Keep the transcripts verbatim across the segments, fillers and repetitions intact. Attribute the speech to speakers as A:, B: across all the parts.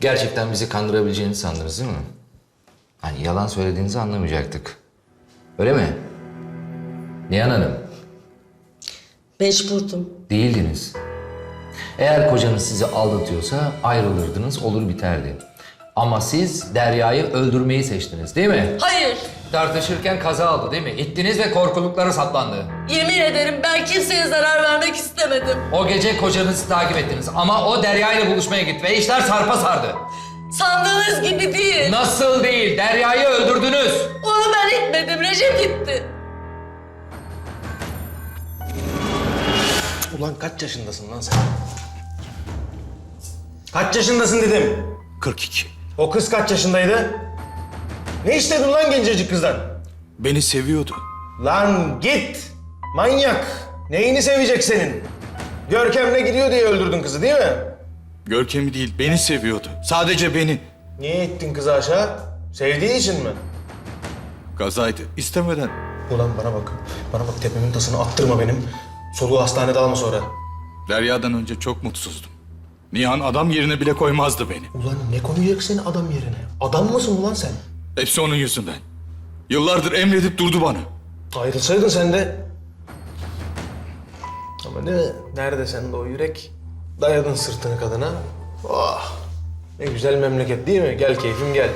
A: Gerçekten bizi kandırabileceğini sandınız değil mi? Hani yalan söylediğinizi anlamayacaktık. Öyle mi? Nihan Hanım,
B: Mecburdum.
A: değildiniz. Eğer kocanız sizi aldatıyorsa ayrılırdınız, olur biterdi. Ama siz Derya'yı öldürmeyi seçtiniz değil mi?
B: Hayır.
A: Tartışırken kaza oldu değil mi? İttiniz ve korkuluklara saplandı.
B: Yemin ederim ben kimseye zarar vermek istemedim.
A: O gece kocanızı takip ettiniz ama o Derya ile buluşmaya gitti ve işler sarpa sardı.
B: Sandığınız gibi değil.
A: Nasıl değil? Derya'yı öldürdünüz.
B: Onu ben etmedim. Recep gitti.
C: Ulan kaç yaşındasın lan sen? Kaç yaşındasın dedim.
D: kırk iki.
C: O kız kaç yaşındaydı? Ne istedin lan gencecik kızdan?
D: Beni seviyordu.
C: Lan git! Manyak! Neyini sevecek senin? Görkem'le gidiyor diye öldürdün kızı değil mi?
D: Görkem'i değil, beni seviyordu. Sadece beni.
C: Niye ittin kızı aşağı? Sevdiği için mi?
D: Kazaydı, istemeden.
C: Ulan bana bak. Bana bak tepemin tasını attırma benim. Soluğu hastanede alma sonra.
D: Derya'dan önce çok mutsuzdum. Nihan adam yerine bile koymazdı beni.
C: Ulan ne koyacak seni adam yerine? Adam mısın ulan sen?
D: Hepsi onun yüzünden. Yıllardır emredip durdu bana.
C: Ayrılsaydın sen de. Ama ne? Nerede sende o yürek? Dayadın sırtını kadına. Oh! Ne güzel memleket değil mi? Gel keyfim gel.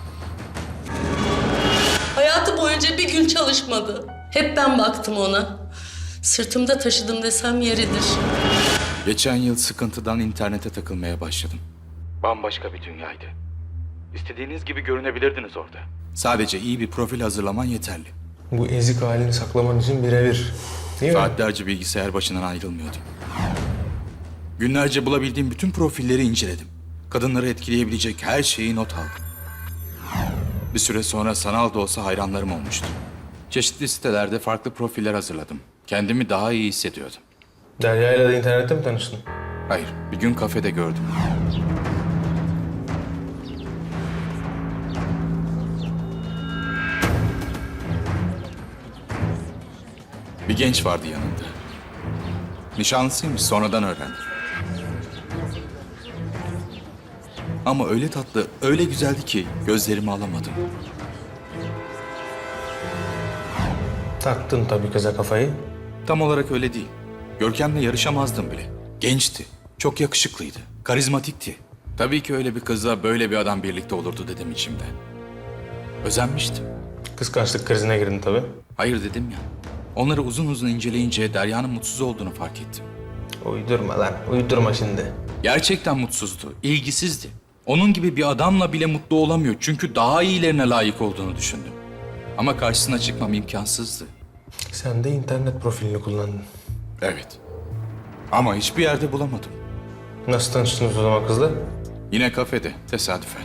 B: Hayatı boyunca bir gün çalışmadı. Hep ben baktım ona. Sırtımda taşıdım desem yeridir.
D: Geçen yıl sıkıntıdan internete takılmaya başladım. Bambaşka bir dünyaydı. İstediğiniz gibi görünebilirdiniz orada. Sadece iyi bir profil hazırlaman yeterli.
C: Bu ezik halini saklaman için birebir. Değil mi?
D: Saatlerce bilgisayar başından ayrılmıyordum. Günlerce bulabildiğim bütün profilleri inceledim. Kadınları etkileyebilecek her şeyi not aldım. Bir süre sonra sanal da olsa hayranlarım olmuştu. Çeşitli sitelerde farklı profiller hazırladım. Kendimi daha iyi hissediyordum.
C: Derya ile de internette mi tanıştın?
D: Hayır, bir gün kafede gördüm. Bir genç vardı yanında. Nişanlısıymış, sonradan öğrendim. Ama öyle tatlı, öyle güzeldi ki gözlerimi alamadım.
C: Taktın tabii kıza kafayı.
D: Tam olarak öyle değil. Görkem'le yarışamazdım bile. Gençti, çok yakışıklıydı, karizmatikti. Tabii ki öyle bir kızla böyle bir adam birlikte olurdu dedim içimde. Özenmiştim.
C: Kıskançlık krizine girdin tabii.
D: Hayır dedim ya. Onları uzun uzun inceleyince Derya'nın mutsuz olduğunu fark ettim.
C: Uydurma lan, uydurma şimdi.
D: Gerçekten mutsuzdu, ilgisizdi. Onun gibi bir adamla bile mutlu olamıyor çünkü daha iyilerine layık olduğunu düşündüm. Ama karşısına çıkmam imkansızdı.
C: Sen de internet profilini kullandın.
D: Evet. Ama hiçbir yerde bulamadım.
C: Nasıl tanıştınız o zaman kızla?
D: Yine kafede, tesadüfen.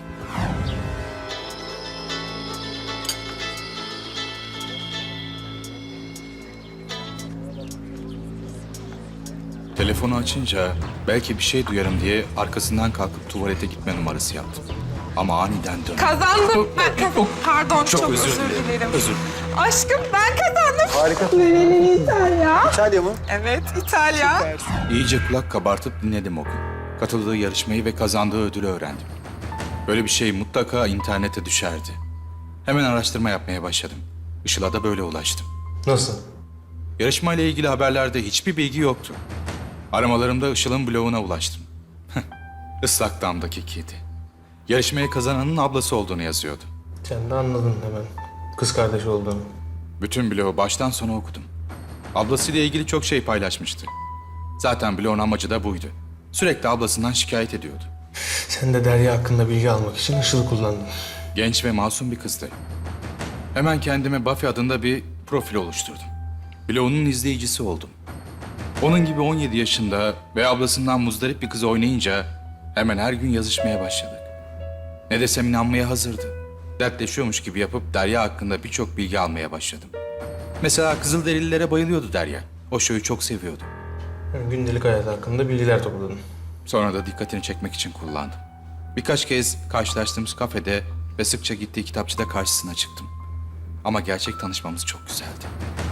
D: Telefonu açınca belki bir şey duyarım diye arkasından kalkıp tuvalete gitme numarası yaptım. Ama aniden döndüm.
E: Kazandım. Ben kazandım. Pardon, çok,
D: Çok
E: özür,
D: özür dilerim.
E: dilerim.
D: Özür.
E: Aşkım ben kazandım.
C: Harika.
E: Nereli İtalya?
C: İtalya mı?
E: Evet, İtalya.
D: İyice kulak kabartıp dinledim o gün. Katıldığı yarışmayı ve kazandığı ödülü öğrendim. Böyle bir şey mutlaka internete düşerdi. Hemen araştırma yapmaya başladım. Işıl'a da böyle ulaştım.
C: Nasıl?
D: Yarışmayla ilgili haberlerde hiçbir bilgi yoktu. Aramalarımda Işıl'ın bloguna ulaştım. Islak Dam'daki kedi. Yarışmayı kazananın ablası olduğunu yazıyordu.
C: Sen de anladın hemen. Kız kardeşi olduğunu.
D: Bütün blogu baştan sona okudum. Ablasıyla ilgili çok şey paylaşmıştı. Zaten blogun amacı da buydu. Sürekli ablasından şikayet ediyordu.
C: Sen de Derya hakkında bilgi almak için Işıl'ı kullandın.
D: Genç ve masum bir kızdı. Hemen kendime Buffy adında bir profil oluşturdum. Blogunun izleyicisi oldum. Onun gibi on yedi yaşında ve ablasından muzdarip bir kız oynayınca hemen her gün yazışmaya başladık. Ne desem inanmaya hazırdı. Dertleşiyormuş gibi yapıp Derya hakkında birçok bilgi almaya başladım. Mesela Kızılderililere bayılıyordu Derya. O şovu çok seviyordu.
C: Yani gündelik hayat hakkında bilgiler topladın.
D: Sonra da dikkatini çekmek için kullandım. Birkaç kez karşılaştığımız kafede ve sıkça gittiği kitapçıda karşısına çıktım. Ama gerçek tanışmamız çok güzeldi.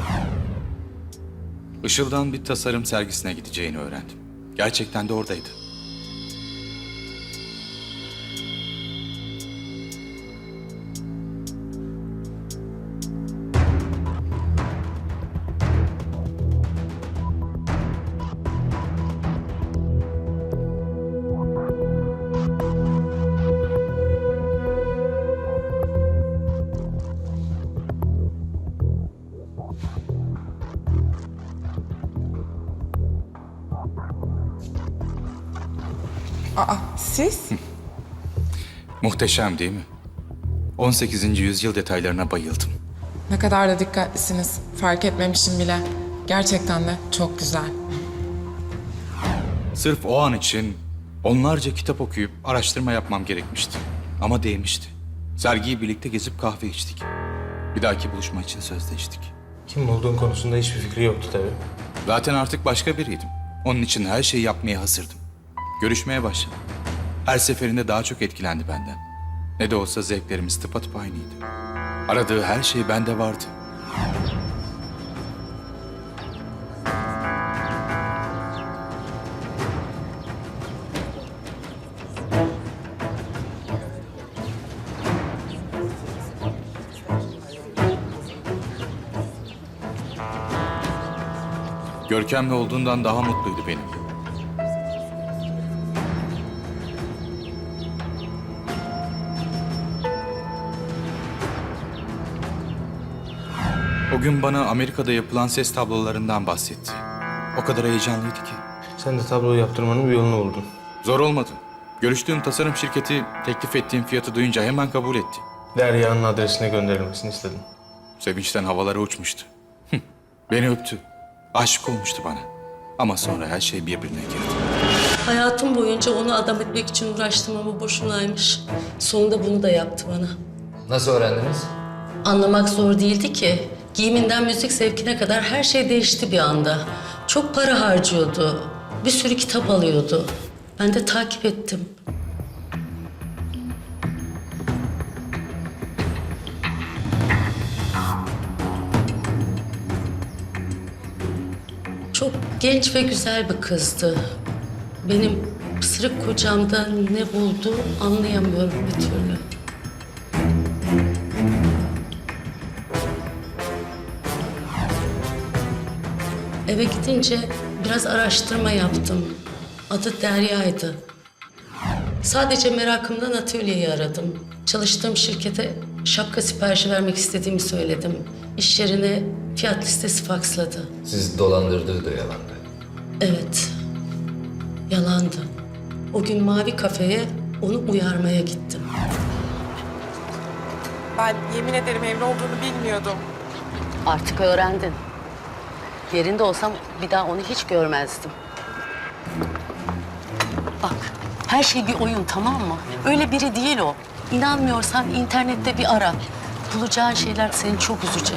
D: Işıl'dan bir tasarım sergisine gideceğini öğrendim. Gerçekten de oradaydı.
E: Siz?
D: Muhteşem değil mi? on sekizinci yüzyıl detaylarına bayıldım.
E: Ne kadar da dikkatlisiniz. Fark etmemişim bile. Gerçekten de çok güzel.
D: Sırf o an için onlarca kitap okuyup araştırma yapmam gerekmişti. Ama değmişti. Sergiyi birlikte gezip kahve içtik. Bir dahaki buluşma için sözleştik.
C: Kim olduğun konusunda hiçbir fikri yoktu tabii.
D: Zaten artık başka biriydim. Onun için her şeyi yapmaya hazırdım. Görüşmeye başladım. Her seferinde daha çok etkilendi benden. Ne de olsa zevklerimiz tıpatıp aynıydı. Aradığı her şey bende vardı. Görkem'le olduğundan daha mutluydu benim. O gün bana Amerika'da yapılan ses tablolarından bahsetti. O kadar heyecanlıydı ki.
C: Sen de tabloyu yaptırmanın bir yolunu buldun.
D: Zor olmadı. Görüştüğüm tasarım şirketi teklif ettiğim fiyatı duyunca hemen kabul etti.
C: Derya'nın adresine gönderilmesini istedim.
D: Sevinçten havalara uçmuştu. Beni öptü. Aşık olmuştu bana. Ama sonra her şey birbirine girdi.
B: Hayatım boyunca onu adam etmek için uğraştım ama boşunaymış. Sonunda bunu da yaptı bana.
A: Nasıl öğrendiniz?
B: Anlamak zor değildi ki. Giyiminden müzik zevkine kadar her şey değişti bir anda. Çok para harcıyordu. Bir sürü kitap alıyordu. Ben de takip ettim. Çok genç ve güzel bir kızdı. Benim pısırık kocamda ne buldu anlayamıyorum bir türlü. Eve gidince biraz araştırma yaptım. Adı Derya'ydı. Sadece merakımdan atölyeyi aradım. Çalıştığım şirkete şapka siparişi vermek istediğimi söyledim. İş yerine fiyat listesi faksladı.
A: Siz dolandırdığı da yalandı.
B: Evet, yalandı. O gün Mavi Kafe'ye onu uyarmaya gittim.
E: Ben yemin ederim evli olduğunu bilmiyordum.
B: Artık öğrendin. Yerinde olsam bir daha onu hiç görmezdim. Bak, her şey bir oyun, tamam mı? Öyle biri değil o. İnanmıyorsan internette bir ara. Bulacağın şeyler seni çok üzecek.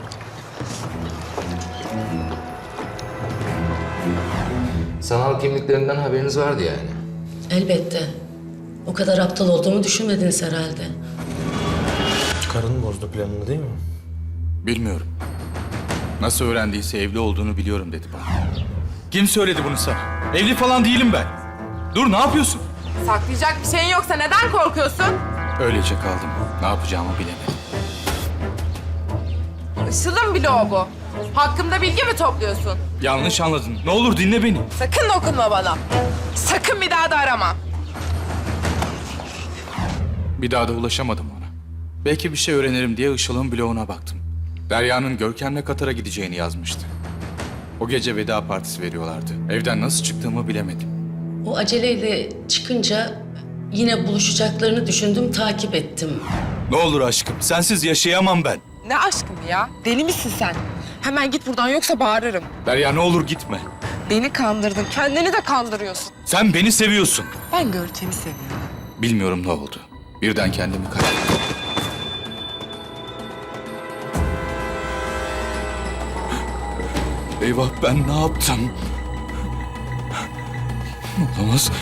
A: Sanal kimliklerinden haberiniz vardı yani.
B: Elbette. O kadar aptal olduğumu düşünmediniz herhalde.
C: Karın bozdu planını değil mi?
D: Bilmiyorum. Nasıl öğrendiyse evli olduğunu biliyorum dedi bana. Kim söyledi bunu sana? Evli falan değilim ben. Dur, ne yapıyorsun?
E: Saklayacak bir şeyin yoksa neden korkuyorsun?
D: Öylece kaldım. Ne yapacağımı bilemedim.
E: Işıl'ın bloğu bu. Hakkımda bilgi mi topluyorsun?
D: Yanlış anladın. Ne olur dinle beni.
E: Sakın dokunma bana. Sakın bir daha da arama.
D: Bir daha da ulaşamadım ona. Belki bir şey öğrenirim diye Işıl'ın bloğuna baktım. Derya'nın Görkem'le Katar'a gideceğini yazmıştı. O gece veda partisi veriyorlardı. Evden nasıl çıktığımı bilemedim.
B: O aceleyle çıkınca yine buluşacaklarını düşündüm, takip ettim.
D: Ne olur aşkım, sensiz yaşayamam ben.
E: Ne aşkım ya? Deli misin sen? Hemen git buradan yoksa bağırırım.
D: Derya, ne olur gitme.
E: Beni kandırdın. Kendini de kandırıyorsun.
D: Sen beni seviyorsun.
E: Ben Görkem'i seviyorum.
D: Bilmiyorum ne oldu. Birden kendimi kaybettim. Eyvah, ben ne yaptım? Olamaz.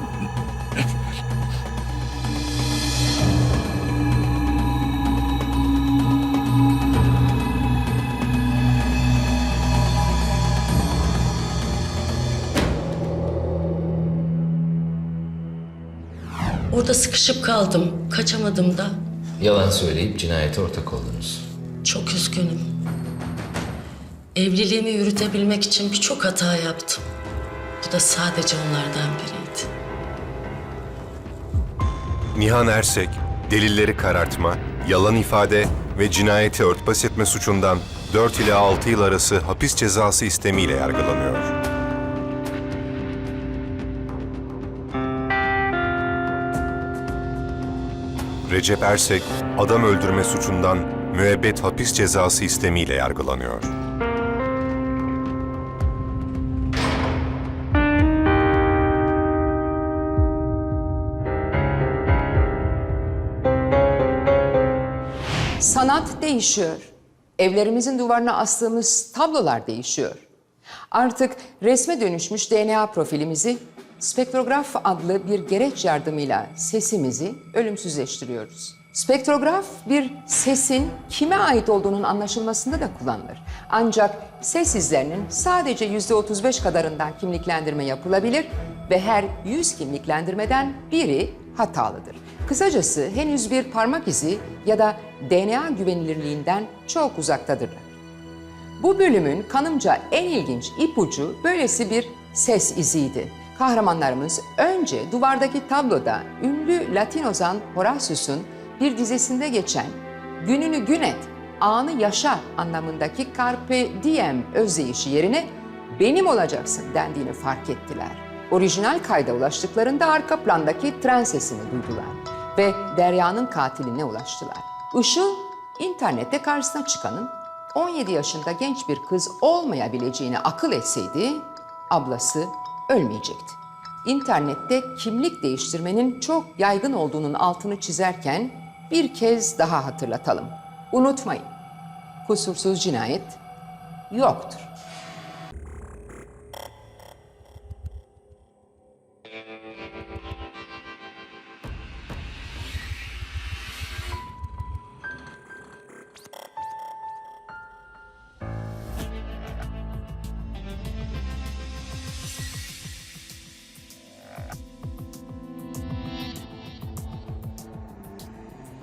B: Orada sıkışıp kaldım, kaçamadım da.
A: Yalan söyleyip cinayete ortak oldunuz.
B: Çok üzgünüm. Evliliğimi yürütebilmek için birçok hata yaptım. Bu da sadece onlardan biriydi.
F: Nihan Ersek, delilleri karartma, yalan ifade ve cinayeti örtbas etme suçundan dört ila altı yıl arası hapis cezası istemiyle yargılanıyor. Recep Ersek, adam öldürme suçundan müebbet hapis cezası istemiyle yargılanıyor.
G: Sanat değişiyor. Evlerimizin duvarına astığımız tablolar değişiyor. Artık resme dönüşmüş D N A profilimizi spektrograf adlı bir gereç yardımıyla sesimizi ölümsüzleştiriyoruz. Spektrograf bir sesin kime ait olduğunun anlaşılmasında da kullanılır. Ancak ses izlerinin sadece yüzde otuz beş kadarından kimliklendirme yapılabilir ve her yüz kimliklendirmeden biri hatalıdır. Kısacası henüz bir parmak izi ya da D N A güvenilirliğinden çok uzaktadırlar. Bu bölümün kanımca en ilginç ipucu böylesi bir ses iziydi. Kahramanlarımız önce duvardaki tabloda ünlü Latin ozan Horatius'un bir dizesinde geçen "gününü gün et, anı yaşa" anlamındaki carpe diem özdeyişi yerine "benim olacaksın" dendiğini fark ettiler. Orijinal kayda ulaştıklarında arka plandaki tren sesini duydular ve Derya'nın katiline ulaştılar. Işıl, internette karşısına çıkanın on yedi yaşında genç bir kız olmayabileceğini akıl etseydi, ablası ölmeyecekti. İnternette kimlik değiştirmenin çok yaygın olduğunun altını çizerken bir kez daha hatırlatalım. Unutmayın, kusursuz cinayet yoktur.